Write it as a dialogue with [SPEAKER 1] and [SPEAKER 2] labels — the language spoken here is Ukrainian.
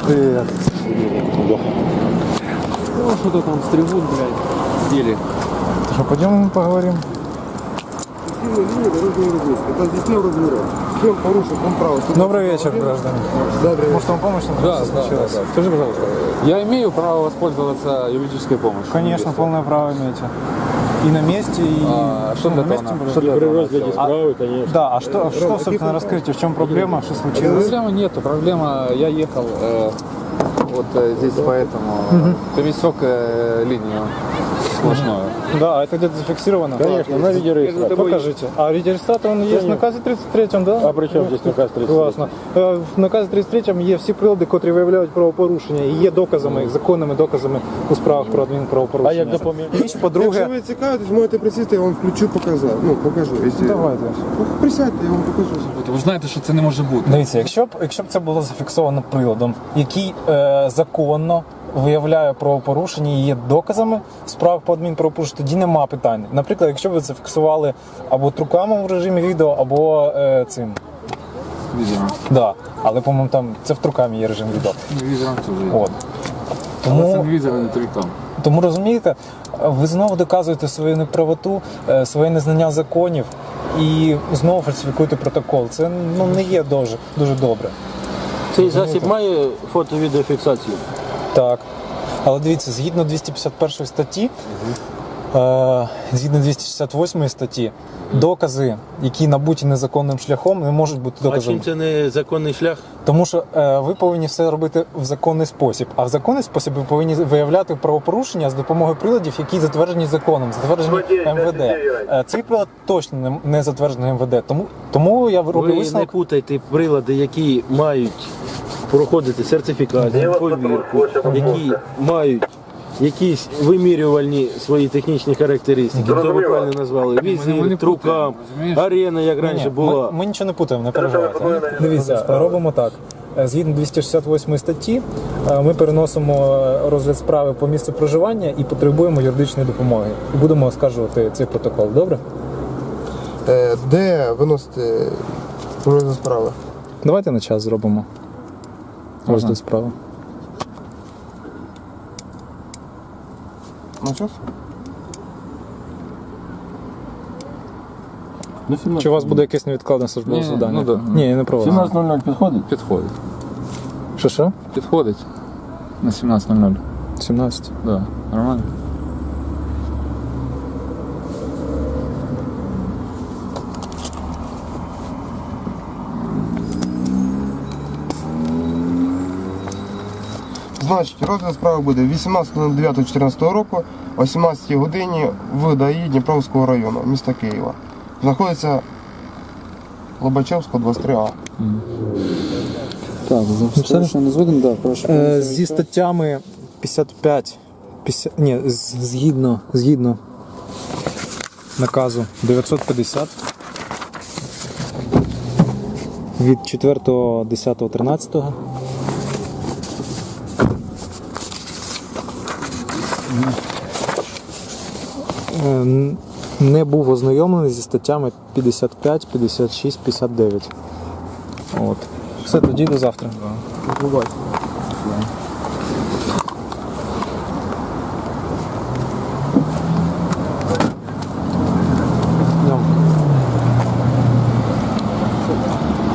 [SPEAKER 1] Привет.
[SPEAKER 2] Ну, что-то там с трибун, блядь, деле.
[SPEAKER 1] Что, пойдем поговорим? Добрый вечер, граждане. Может, вам помощь нужна?
[SPEAKER 2] Да. Скажи, пожалуйста, я имею право воспользоваться юридической помощью?
[SPEAKER 1] Конечно, полное право имеете. И на месте, и
[SPEAKER 2] что для
[SPEAKER 1] на месте.
[SPEAKER 2] этого?
[SPEAKER 1] Что
[SPEAKER 2] Что
[SPEAKER 1] для
[SPEAKER 2] для
[SPEAKER 1] этого?
[SPEAKER 2] розгляде
[SPEAKER 1] справы, конечно. Да, а что, собственно, расскажите, в чем проблема, что случилось?
[SPEAKER 2] Проблемы нету, проблема, я ехал вот здесь поэтому пересек линию сплошную.
[SPEAKER 1] Да, это где-то зафиксировано?
[SPEAKER 3] Конечно, на видеорегистратор.
[SPEAKER 1] Покажите. А видеорегистратор, он есть в наказі 33-м, да?
[SPEAKER 3] А при чому здесь наказ 33?
[SPEAKER 1] Класно. В наказі 33-м є всі прилади, котрі виявляють правопорушення, і є доказами, законними доказами у справах про адмінправопорушення.
[SPEAKER 3] А як допоміг?
[SPEAKER 1] І, по-друге,
[SPEAKER 4] Якщо ви цікавитесь, можете присісти, я вам включу, покажу. Якщо...
[SPEAKER 1] давайте.
[SPEAKER 4] Присядьте, я вам покажу.
[SPEAKER 2] Ви знаєте, що це не може бути.
[SPEAKER 1] Дивіться, якщо б це було зафіксовано приладом, який законно виявляє правопорушення і є доказами справ по адмінправопорушенню, тоді нема питань. Наприклад, якщо б ви зафіксували або труками в режимі відео, або цим.
[SPEAKER 2] Візером.
[SPEAKER 1] Да. Але, по-моєму, там це в трукамі є режим відео.
[SPEAKER 2] Візером це вже.
[SPEAKER 1] От.
[SPEAKER 2] Але це не візер, а не трикам.
[SPEAKER 1] Тому розумієте, ви знову доказуєте свою неправоту, своє незнання законів і знову фальсифікуєте протокол. Це не є дуже добре.
[SPEAKER 3] Цей засіб має фото-відеофіксацію?
[SPEAKER 1] Так. Але дивіться, згідно 251 статті, згідно 268 статті, докази, які набуті незаконним шляхом, не можуть бути
[SPEAKER 3] А
[SPEAKER 1] доказами.
[SPEAKER 3] чим це не законний шлях?
[SPEAKER 1] Тому що ви повинні все робити в законний спосіб. А в законний спосіб ви повинні виявляти правопорушення з допомогою приладів, які затверджені законом, затверджені МВД. Цей прилад точно не затверджений МВД. Тому я роблю
[SPEAKER 3] Ви не
[SPEAKER 1] висновок.
[SPEAKER 3] путайте прилади, які мають проходити сертифікацію, повірку, які мають якісь вимірювальні свої технічні характеристики. То ви правильно назвали.
[SPEAKER 2] Ми не
[SPEAKER 3] Візір,
[SPEAKER 2] путаємо,
[SPEAKER 3] трукам,
[SPEAKER 2] розумієш?
[SPEAKER 3] арена, як раніше
[SPEAKER 1] Ні,
[SPEAKER 3] була.
[SPEAKER 1] ми нічого не путаємо, не переживайте. Дивіться, робимо так. Згідно 268 статті, ми переносимо розгляд справи по місцю проживання і потребуємо юридичної допомоги. І будемо оскаржувати цей протокол, добре?
[SPEAKER 4] Де виносити розгляд справи?
[SPEAKER 1] Давайте на час зробимо розгляд справи.
[SPEAKER 4] На час?
[SPEAKER 1] Чи у вас буде якесь невідкладне службове
[SPEAKER 2] Ні,
[SPEAKER 1] завдання?
[SPEAKER 2] ну да.
[SPEAKER 1] Ні, не про вас.
[SPEAKER 3] 17.00 підходить?
[SPEAKER 2] Підходить.
[SPEAKER 1] Що?
[SPEAKER 2] Підходить на 17:00.
[SPEAKER 1] 17.
[SPEAKER 2] Да, нормально.
[SPEAKER 4] Значить, розгляд справи буде 18.09.14 року о 17 годині в ДАІ Дніпровського району міста Києва. Знаходиться Лобачевського, 23А.
[SPEAKER 5] Так, за не згоден, да, прошу.
[SPEAKER 1] Зі статтями 55, згідно наказу 950 від 4.10.13 не був ознайомлений зі статтями 55, 56, 59. От. Все, тоді до завтра.
[SPEAKER 4] Бувайте.